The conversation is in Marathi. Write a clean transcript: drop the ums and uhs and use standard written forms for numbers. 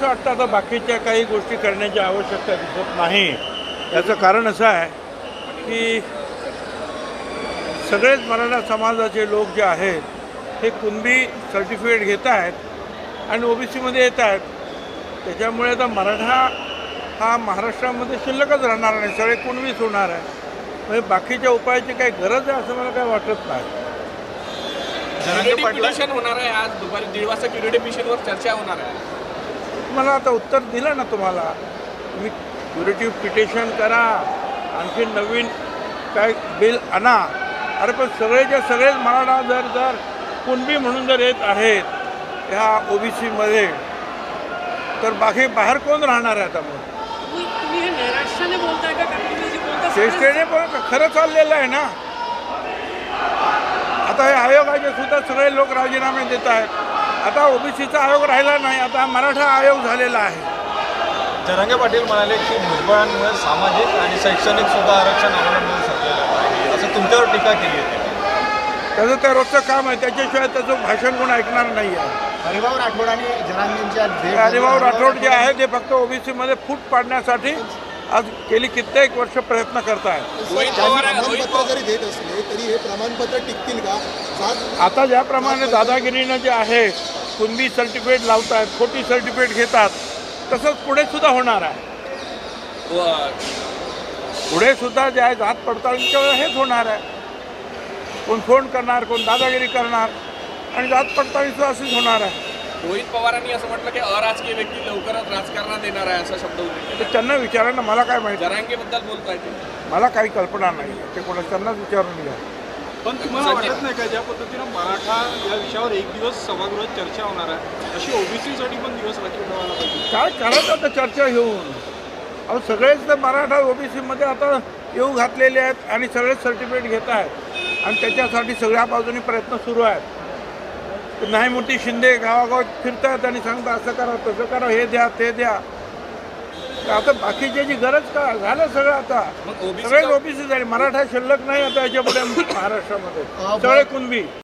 वाटतं आता बाकीच्या काही गोष्टी करण्याची आवश्यकता दिसत नाही. याचं कारण असं आहे की सगळेच मराठा समाजाचे लोक जे आहेत हे कुणबी सर्टिफिकेट घेत आहेत आणि OBCमध्ये येत आहेत. त्याच्यामुळे आता मराठा हा महाराष्ट्रामध्ये शिल्लकच राहणार नाही, सगळे कुणबीच होणार आहे. म्हणजे बाकीच्या उपायाची काही गरज आहे असं मला काही वाटत नाही. क्युरेटिव्ह पिटिशन होणार आहे आज दुपारी 1:30 वाजता. क्युरेटिव्ह पिटिशनवर चर्चा होणार आहे. मला आता उत्तर दिलं ना तुम्हाला. तुम्ही क्युरेटिव्ह पिटिशन करा, आणखी नवीन काय बिल आणा. अरे पण सगळेच्या सगळेच मराठा जर कुणबी म्हणून जर येत आहेत ह्या OBCमध्ये तर बाकी बाहेर कोण राहणार आहे आता? मग तुम्ही हे नैराश्याने बोलताय का? कारण तुम्ही जे बोलता चेष्टेने पण खरं चाललेलं आहे ना. आता हे आयोगाचे सुद्धा सगळे लोक राजीनामे देत आहेत. आता OBCचा आयोग राहिला नाही, आता मराठा आयोग झालेला आहे. जरांगे पाटील म्हणाले की भुजबळांमुळे सामाजिक आणि शैक्षणिक सुद्धा आरक्षण आम्हाला मिळू शकलेलं आहे, असं तुमच्यावर टीका केली होती. त्याचं त्या रोजचं काम आहे, त्याच्याशिवाय त्याचं भाषण कोण ऐकणार नाही आहे. हरिभाऊ राठोड आणि जरांगेंच्या हरिभाऊ राठोड जे आहे ते फक्त OBCमध्ये फूट पाडण्यासाठी आज गेली कित्येक वर्ष प्रयत्न करत आहेत. प्रमाणपत्र जरी देत असले तरी हे प्रमाणपत्र टिकतील का? आता ज्याप्रमाणे दादागिरीनं जे आहे कुणबी सर्टिफिकेट लावत आहेत, खोटी सर्टिफिकेट घेतात, तसंच पुढे सुद्धा होणार आहे. पुढे सुद्धा जे आहे जात पडताळणीच्या वेळेस हेच होणार आहे. कोण फोन करणार, कोण दादागिरी करणार आणि जात पडताळणी सुद्धा अशीच होणार आहे. रोहित पवारांनी असं म्हटलं की अराजकीय व्यक्ती लवकरच राजकारणात येणार आहे असा शब्द उल्लेख. ते त्यांना विचारा ना, मला काय माहिती. जरांगेबद्दल बोलताय ते. मला काही कल्पना नाही. ते कोणा त्यांनाच विचारून घ्या. पण तुम्हाला वाटत नाही का ज्या पद्धतीनं मराठा या विषयावर एक दिवस सभागृहात चर्चा होणार आहे, अशी OBCसाठी पण दिवस राखीव ठेवायला पाहिजे? काय करायचं आता चर्चा घेऊन? अहो सगळेच तर मराठा OBCमध्ये आता येऊ घातलेले आहेत आणि सगळेच सर्टिफिकेट घेत आहेत आणि त्याच्यासाठी सगळ्या बाजूनी प्रयत्न सुरू आहेत. नाही मोठी शिंदे गावागावात फिरतात आणि सांगतात असं करा तसं करा, हे द्या ते द्या. तर आता बाकीच्याची गरज का झालं सगळं. आता सगळेच OBC झाले, मराठा शिल्लक नाही आता याच्यापुढे महाराष्ट्रामध्ये, सगळे कुणबी.